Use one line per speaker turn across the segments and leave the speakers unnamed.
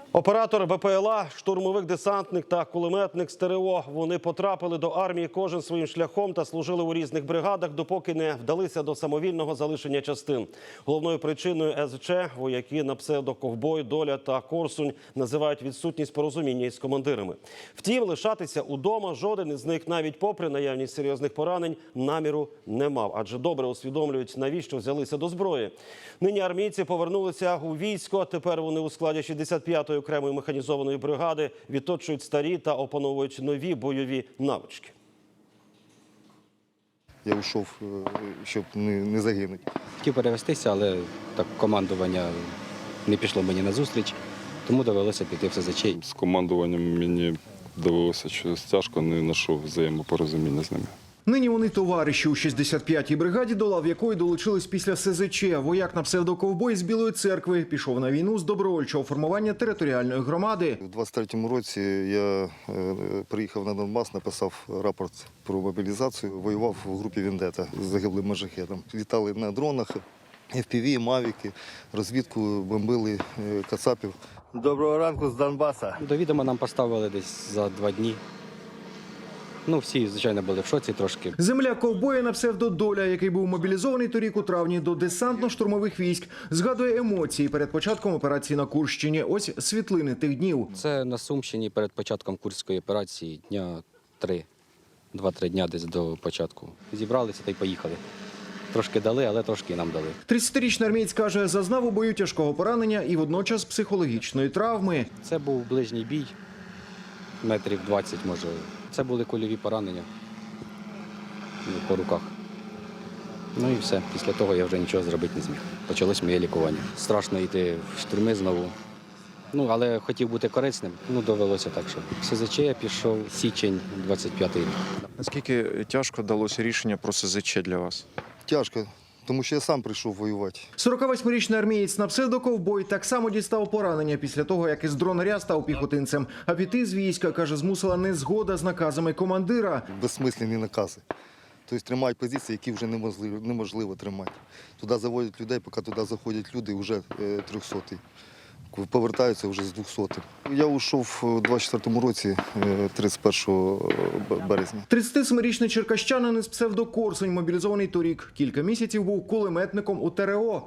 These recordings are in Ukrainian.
Оператор БПЛА, штурмовик-десантник та кулеметник з ТРО. Вони потрапили до армії кожен своїм шляхом та служили у різних бригадах, допоки не вдалися до самовільного залишення частин. Головною причиною СЗЧ вояки на псевдо-ковбой, Доля та Корсунь називають відсутність порозуміння із командирами. Втім, лишатися удома жоден із них, навіть попри наявність серйозних поранень, наміру не мав. Адже добре усвідомлюють, навіщо взялися до зброї. Нині армійці повернулися у військо, тепер вони у складі 65-ї окремої механізованої бригади відточують старі та опановують нові бойові навички.
Я йшов, щоб не загинути.
Хотів перевестися, але так командування не пішло мені на зустріч, тому довелося піти в СЗЧ.
З командуванням мені довелося щось тяжко, не знайшов взаємопорозуміння з ними.
Нині вони товариші у 65-й бригаді, до лав якої долучились після СЗЧ. Вояк на псевдоковбой з Білої церкви пішов на війну з добровольчого формування територіальної громади.
У 23-му році я приїхав на Донбас, написав рапорт про мобілізацію, воював у групі «Вендета» з загиблим маджахедом. Літали на дронах, FPV, мавіки, розвідку, бомбили кацапів. Доброго ранку з Донбаса.
До відома нам поставили десь за 2 дні. Всі, звичайно, були в шоці трошки.
Земля ковбоя на псевдо-Доля, який був мобілізований торік у травні до десантно-штурмових військ, згадує емоції перед початком операції на Курщині. Ось світлини тих днів.
Це на Сумщині перед початком Курської операції дня 2-3 дня десь до початку. Зібралися та й поїхали. Трошки дали, але трошки і нам дали.
30-річний армієць каже, зазнав у бою тяжкого поранення і водночас психологічної травми.
Це був ближній бій, метрів 20, може. Це були кульові поранення по руках. І все. Після того я вже нічого зробити не зміг. Почалось моє лікування. Страшно йти в штурми знову. Але хотів бути корисним. Довелося так, що в СЗЧ я пішов січень 25-й рік.
Наскільки тяжко далося рішення про СЗЧ для вас?
Тяжко, тому що я сам прийшов воювати.
48-річний армієць на псевдоковбой так само дістав поранення після того, як із дронаря став піхотинцем. А піти з війська, каже, змусила незгода з наказами командира.
Безсмисленні накази. Тобто тримають позиції, які вже неможливо тримати. Туди заводять людей, поки туди заходять люди, вже 300-й. Повертаються вже з 200-м. Я ушов у 24-му році, 31 березня.
37-річний черкащанин із псевдо-Корсунь, мобілізований торік. Кілька місяців був кулеметником у ТРО.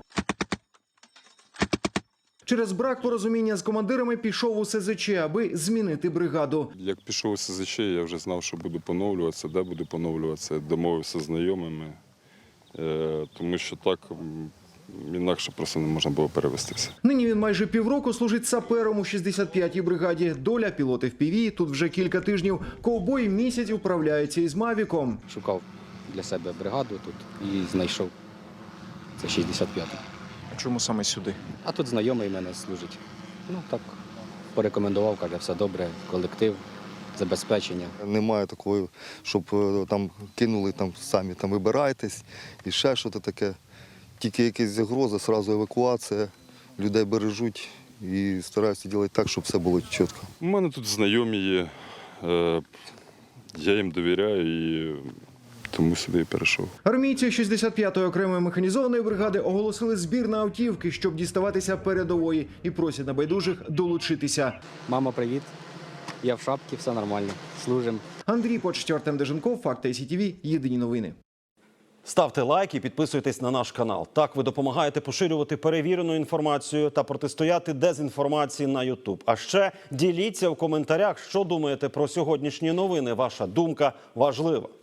Через брак порозуміння з командирами пішов у СЗЧ, аби змінити бригаду.
Як пішов у СЗЧ, я вже знав, що буду поновлюватися, де буду поновлюватися. Домовився з знайомими, тому що так інакше просто не можна було перевестися.
Нині він майже півроку служить сапером у 65-й бригаді. Доля, пілот FPV, тут вже кілька тижнів. Ковбой місяць управляється із мавіком.
Шукав для себе бригаду тут і знайшов. Це 65-й.
А чому саме сюди?
А тут знайомий мене служить. Так, порекомендував, каже, все добре, колектив, забезпечення.
Немає такого, щоб там кинули, самі вибирайтесь і ще щось таке. Тільки якась загроза, одразу евакуація, людей бережуть і стараються робити так, щоб все було чітко.
У мене тут знайомі є, я їм довіряю і тому сюди і перейшов.
Армійці 65-ї окремої механізованої бригади оголосили збір на автівки, щоб діставатися передової, і просять небайдужих долучитися.
Мама, привіт. Я в шапці, все нормально. Служимо.
Андрій Почтєр, Артем Деженков, Факти ICTV, єдині новини.
Ставте лайк і підписуйтесь на наш канал. Так ви допомагаєте поширювати перевірену інформацію та протистояти дезінформації на YouTube. А ще діліться в коментарях, що думаєте про сьогоднішні новини. Ваша думка важлива.